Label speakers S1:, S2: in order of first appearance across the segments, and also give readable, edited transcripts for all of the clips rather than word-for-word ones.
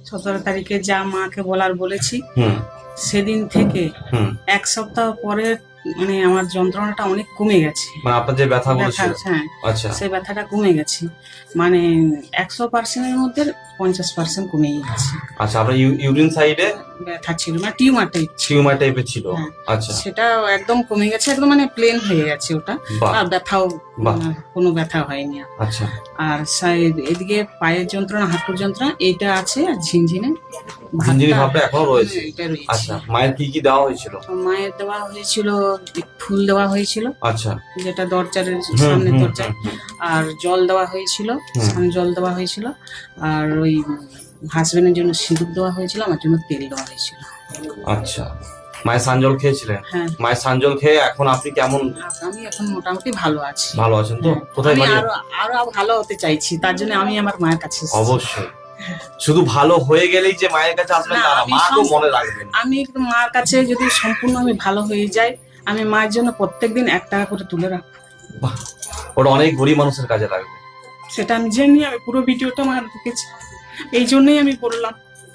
S1: 17 তারিখে যা মাকে বলার বলেছি,
S2: হুম
S1: সেদিন থেকে
S2: হুম
S1: 1 সপ্তাহ পরে মানে আমার যন্ত্রণাটা অনেক কমে গেছে।
S2: মানে আপনার যে ব্যথাগুলো
S1: ব্যথা,
S2: ছিল।
S1: হ্যাঁ,
S2: আচ্ছা
S1: সেই ব্যথাটা কমে গেছে, মানে 100%-এর মধ্যে 50% কমে গেছে।
S2: আচ্ছা, আপনার ইউরিন সাইডে
S1: ব্যথা ছিল, মানে টিউমার টাইপ ছিল।
S2: টিউমার টাইপের ছিল।
S1: হ্যাঁ,
S2: আচ্ছা
S1: সেটা একদম কমে গেছে, একদম মানে প্লেন হয়ে গেছে ওটা।
S2: বাহ
S1: আর ব্যথাও
S2: বাহ।
S1: কোনো ব্যথা হয়নি আর।
S2: আচ্ছা
S1: আর এদিকে পায়ের যন্ত্রণা, হাঁটুর যন্ত্রণা এইটা আছে, আর ঝিনঝিনে
S2: ঝিনঝিনি
S1: ভাবটা,
S2: ভাবটা এখনো রয়েছে।
S1: এটা রয়েছে।
S2: আচ্ছা, মায়ের কি কি দেওয়া হয়েছিল?
S1: মায়ের দেওয়া হয়েছিল, ফুল দেওয়া হয়েছিল,
S2: আচ্ছা
S1: যেটা দরজার
S2: হুম
S1: সামনে
S2: হুম
S1: দরজায়,
S2: হুম, হুম।
S1: আর জল দেওয়া হয়েছিল,
S2: হুম।
S1: স্নান জল দেওয়া হয়েছিল, আর ওই হাজবেন্ডের জন্য সিঁদুর দেওয়া হয়েছিল, আমার জন্য তেল দেওয়া হয়েছিল।
S2: আচ্ছা, মায়ের সানজল খেয়েছিলেন?
S1: হ্যাঁ,
S2: মায়ের সানজল খেয়ে এখন আপনি কেমন?
S1: আমি এখন মোটামুটি ভালো আছি।
S2: ভালো আছেন তো?
S1: হ্যাঁ,
S2: কোথায়
S1: আমি
S2: বাড়ি?
S1: আরো আরো ভালো হতে চাইছি, তার জন্য আমি আমার মায়ের কাছে এসেছি।
S2: অবশ্যই, শুধু ভালো হয়ে গেলেই যে মায়ের কাছে আসবেন
S1: না,
S2: তা না,
S1: আমি
S2: মাকেও মনে রাখবেন।
S1: আমি একটু মার কাছে যদি সম্পূর্ণ আমি ভালো হয়ে যাই, আমি মায়ের জন্য প্রত্যেকদিন 1 টাকা করে তুলে রাখবো।
S2: বাহ, ওটা অনেক গরিব মানুষের কাজে লাগবে।
S1: সেটা আমি জানি, আমি পুরো ভিডিওটা আমার দেখেছি, এই জন্যই আমি বললাম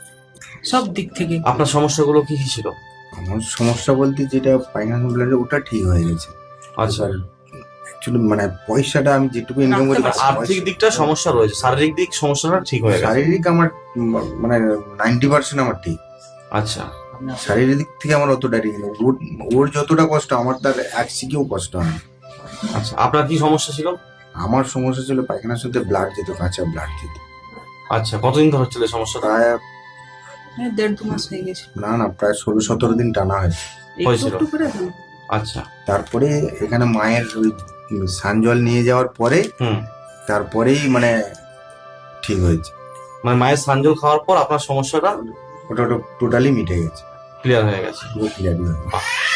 S1: সব দিক থেকে।
S2: আপনার সমস্যাগুলো কি কি ছিল?
S3: আমার সমস্যা বলতে যেটা পায়খানা ব্লাডার ওটা ঠিক হয়ে গেছে।
S2: আচ্ছা,
S3: অ্যাকচুয়ালি মানে পয়সাটা আমি যেটুকু ইনকাম করি,
S1: রাখতে
S2: আর্থিক দিকটা সমস্যা রয়েছে, শারীরিক দিক সমস্যাটা ঠিক হয়ে গেছে।
S3: শারীরিক আমার মানে 90% আমার ঠিক।
S2: আচ্ছা
S3: শারীরিক দিক থেকে আমার অতটা ঠিক নেই। ওর যতটা কষ্ট আমার তার 1 সিকেও কষ্ট হয় না।
S2: আচ্ছা, আপনার কি সমস্যা ছিল?
S3: আমার সমস্যা ছিল পায়খানার সাথে ব্লাড যেত, কাঁচা ব্লাড যেত।
S2: আচ্ছা, কতদিন ধরে হচ্ছিল এই সমস্যাটা?
S3: প্রায়
S1: 1.5-2 মাস হয়ে গেছে।
S3: না প্রায় 16-17 দিন টানা হয়েছে।
S1: একটু
S2: হয়েছিল?
S1: একটু করে দাও।
S2: আচ্ছা
S3: তারপরে এখানে মায়ের ওই সানজল নিয়ে যাওয়ার পরে
S2: হুম,
S3: তারপরেই মানে ঠিক হয়েছে।
S2: মানে মায়ের সানজল খাওয়ার পর আপনার সমস্যাটা
S3: ওটা টোটালি মিটে গেছে,
S2: ক্লিয়ার হয়ে গেছে।
S3: পুরো ক্লিয়ার হয়ে গেছে।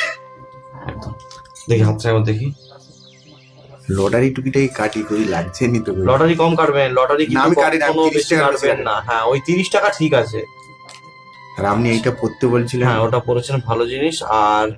S2: একদম, দেখি হাতটা একবার দেখি।
S3: লটারি টুকিটাই কাটি করি, লাগছে নি তো কই।
S2: লটারি কম কাটবেন, লটারি
S3: না,
S2: কিন্তু
S3: আমি কাটি না, আমি
S2: কখনো
S3: 30
S2: বেশি
S3: টাকা
S2: কাটবেন না। হ্যাঁ, ওই 30 টাকা ঠিক আছে।
S3: আর আপনি এইটা পড়তে বলছিলেন।
S2: হ্যাঁ, ওটা পড়েছেন, ভালো জিনিস। আর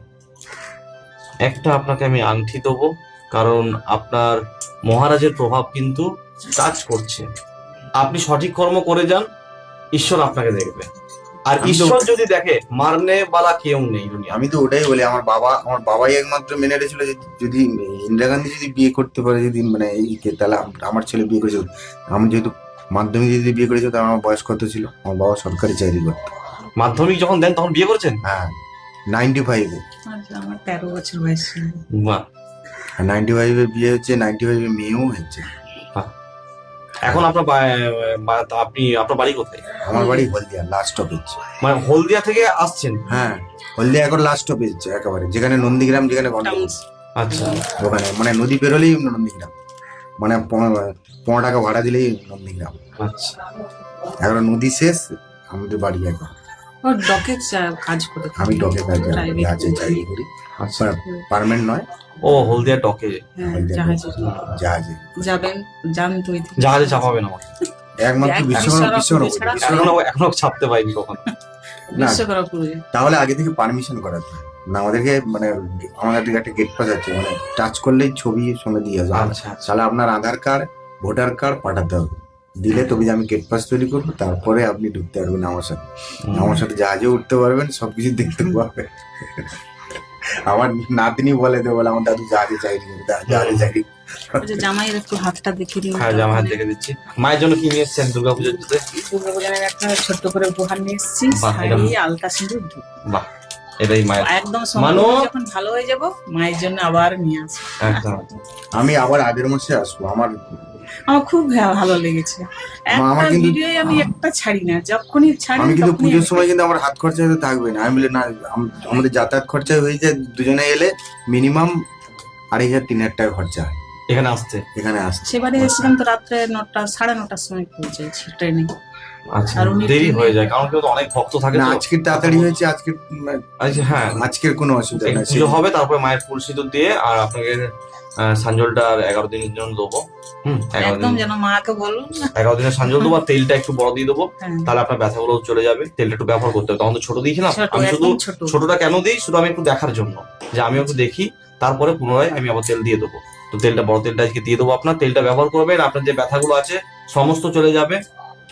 S2: একটা আপনাকে আমি আংটি দেবো, কারণ আপনার মহারাজের প্রভাব কিন্তু কাজ করছে। আপনি সঠিক কর্ম করে যান, ঈশ্বর আপনাকে দেখবে। আর
S3: আমি তো-
S2: ঈশ্বর যদি দেখে, মারনে বালা কেউ নেই দুনিয়া।
S3: আমি তো ওটাই বলি, আমার বাবাই একমাত্র মেনে রেছিল যে যদি ইন্দিরা গান্ধী যদি বিয়ে করতে পারে, যদি মানে এইকে, তাহলে আমার ছেলে বিয়ে করেছিল। আমি যেহেতু মাধ্যমিক যদি বিয়ে করেছিল, তাহলে আমার বয়স কত ছিল? আমার বাবা সরকারি চাকরি করতো।
S2: মাধ্যমিক যখন দেন তখন বিয়ে করেছেন?
S3: হ্যাঁ, 95-এ।
S1: আচ্ছা, আমার 13 বছর বয়স ছিল।
S2: বাহ,
S3: আর 95-এ বিয়ে হচ্ছে, 95-এ মেয়েও হচ্ছে।
S2: বাহ। এখন আপনার আপনি আপনার বাড়ি কোথায়?
S3: আমার বাড়ি হলদিয়া, লাস্ট স্টপেজ।
S2: মানে হলদিয়া থেকে আসছেন?
S3: হ্যাঁ, হলদিয়া এখন লাস্ট স্টপেজ একেবারে, যেখানে নন্দীগ্রাম, যেখানে গন্ডগোল,
S2: আচ্ছা
S3: ওখানে মানে নদী পেরোলেই নন্দীগ্রাম, মানে 15 টাকা ভাড়া দিলেই নন্দীগ্রাম।
S2: আচ্ছা,
S3: এখন নদী শেষ, আমাদের বাড়ি একবার।
S1: ওর ডকে কাজ করে।
S3: আমি ডকে কাজ
S1: Private
S3: আছে চাকরি করি,
S2: আচ্ছা।
S3: পার্মানেন্ট নয়।
S2: ও, হলদিয়া ডকে
S1: হ্যাঁ,
S3: হলদিয়া
S1: জাহাজে
S3: জাহাজে
S1: যাবেন, যান তো ওই দিকে।
S2: জাহাজে চাপাবেন আমাকে?
S3: একমাত্র বিশ্বকর্মা।
S2: এখনো ছাপতে পাইনি কখনো।
S3: না,
S1: বিশ্বকর্মাপুরে।
S3: তাহলে আগে থেকে পারমিশন করাতে হয় না আমাদেরকে, মানে আমাদের দিকে একটা গেট পাস আছে, মানে টাচ করলেই ছবি সঙ্গে দিয়ে আসবে।
S2: আচ্ছা আচ্ছা,
S3: তাহলে আপনার আধার কার্ড, ভোটার কার্ড পাঠাতে হবে, দিলে তবে আমি গেট পাস তৈরি করবো, তারপরে আপনি ঢুকতে পারবেন আমার সাথে। আমার সাথে জাহাজে উঠতে পারবেন, সবকিছু দেখতে পারবেন। আমার নাতনি বলে আমার দাদু জাহাজে চাকরি করে, জাহাজে চাকরি।
S1: আচ্ছা, জামাইয়ের একটু হাতটা দেখিয়ে দিন।
S2: হ্যাঁ, জামা হাত দেখে দিচ্ছি। মায়ের জন্য কি নিয়ে এসছেন দুর্গাপুজোর জুতে?
S1: দুর্গাপূজার একটা ছোট্ট করে উপহার নিয়ে এসেছি,
S2: বাহ, এটা-
S1: শাড়ি, আলতা, সিঁদুর, ধূপ।
S2: বাহ, এটাই মায়ের।
S1: একদম সম্পূর্ণ যখন ভালো হয়ে যাব, মায়ের জন্য আবার নিয়ে আসবো।
S2: একদম।
S3: আমি আবার আগের মাসে আসবো। আমার
S1: খুব ভালো লেগেছে।
S3: আমার
S1: একটা
S3: কিন্তু-
S1: ভিডিও আমি একটা ছাড়ি না, যখনই ছাড়ি
S3: আমি কিন্তু
S1: তখনই
S3: পুজোর
S1: আমি
S3: সময় কিন্তু আমার হাত খরচা তো থাকবে না। আমি বলি না, আমাদের যাতায়াত খরচা হয়ে যায়, দুজনে এলে মিনিমাম 2500-3000 টাকা খরচা হয়
S2: এখানে আসতে?
S3: এখানে আসতে।
S1: সেবারে এসেছিলাম তো রাত্রে 9টা, 9:30টার সময় পৌঁছেছি ট্রেনে।
S2: আচ্ছা,
S1: আর উনি
S2: দেরি
S1: ট্রেনে-
S2: হয়ে যায় কারণ কেউ তো অনেক ভক্ত থাকে
S3: না,
S2: তো।
S3: আজকের তাড়াতাড়ি হয়েছে, আজকের
S2: আচ্ছা, হ্যাঁ,
S3: আজকের কোনো অসুবিধা
S2: এই
S3: নেই।
S2: পুজো হবে, তারপরে মায়ের ফুল সিঁদুর দিয়ে আর আপনাকে সাঞ্জলটা 11 দিনের জন্য দেবো। 11
S1: একদম
S2: দিন,
S1: যেন মাকে বলুন না।
S2: 11 দিনের সাঞ্জল দেবো, আর তেলটা একটু বড় দিয়ে দেবো,
S1: হ্যাঁ,
S2: তাহলে আপনার ব্যথাগুলো চলে যাবে। তেলটা একটু ব্যবহার করতে হবে, তখন তো ছোট দিয়েছিলাম।
S1: ছোট,
S2: আমি শুধু
S1: একদম ছোট।
S2: ছোটটা কেন দিই, শুধু আমি একটু দেখার জন্য, যে আমি একটু দেখি, তারপরে পুনরায় আমি আবার তেল দিয়ে দেবো। তো তেলটা, বড় তেলটা আজকে দিয়ে দেবো আপনার। তেলটা ব্যবহার করবেন, আপনার যে ব্যথাগুলো আছে সমস্ত চলে যাবে।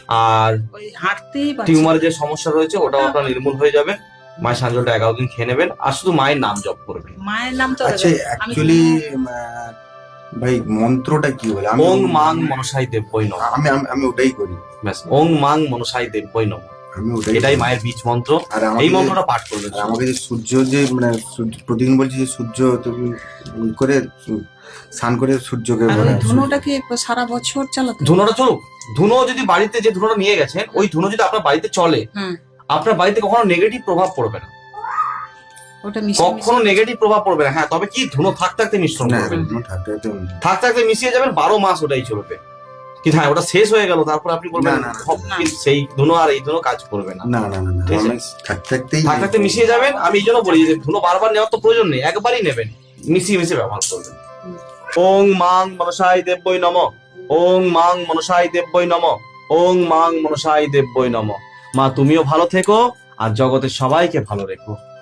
S2: আর
S1: ওই হাঁটতেই পারছি না।
S2: টিউমারের যে সমস্যা রয়েছে ওটাও আপনার নির্মূল হয়ে যাবে। মায়ের সাঞ্জলটা 11 দিন খেয়ে নেবেন আর শুধু মায়ের নাম জপ করবেন।
S1: মায়ের নাম তো
S3: আচ্ছা
S1: আমি
S3: অ্যাকচুয়ালি ভাই মন্ত্রটা কি বলে? আমি
S2: ওং মাং মনসাই দেব্যই নমঃ।
S3: আমি আমি- আমি ওটাই করি,
S2: ব্যাস, ওং মাং মনসাই দেব্যই নমঃ,
S3: আমি ওটাই
S2: এটাই
S3: করি।
S2: মায়ের বীজ মন্ত্র।
S3: আর আমাকে
S2: এই
S3: যে-
S2: মন্ত্রটা পাঠ করবেন।
S3: আর আমাকে যে সূর্য যে মানে প্রতিদিন বলছি যে সূর্য তুমি করে স্নান করে সূর্যকে
S1: আর
S3: মানে
S1: ওই ধুনোটা কি সারা বছর চালাতে হবে?
S2: ধুনোটা চলুক। ধুনো যদি বাড়িতে যে ধুনোটা নিয়ে গেছেন ওই ধুনো যদি আপনার বাড়িতে চলে,
S1: হুম।
S2: আপনার বাড়িতে কখনো নেগেটিভ প্রভাব পড়বে না,
S1: ওটা মিশিয়ে
S2: কখনো নেগেটিভ প্রভাব পড়বে না। হ্যাঁ, তবে কি ধুনো থাকতে থাকতে মিশ্রণ
S3: না,
S2: করবেন,
S3: থাকতে থাকতে
S2: থাকতে থাকতে মিশিয়ে যাবেন, 12 মাস ওটাই চলবে। কিন্তু হ্যাঁ, ওটা শেষ হয়ে গেল তারপর আপনি বলবেন
S3: না, না, না,
S2: সব
S1: না।
S2: কিন্তু সেই ধুনো আর এই ধুনো কাজ করবে না।
S3: না না না না,
S2: ঠিক আছে।
S3: আমি থাকতে থাকতেই
S2: থাকতে থাকতে মিশিয়ে যাবেন। আমি এই জন্য বলি যে ধুনো বারবার নেওয়ার তো প্রয়োজন নেই, একবারই নেবেন, মিশিয়ে মিশিয়ে ব্যবহার করবেন। ওং মাং মনসাই দেব্যই নমঃ, ওং মাং মনসাই দেব্যই নমঃ, ওং মাং মনসাই দেব্যই নমঃ। মা তুমিও ভালো থেকো আর জগতের সবাইকে ভালো রেখো।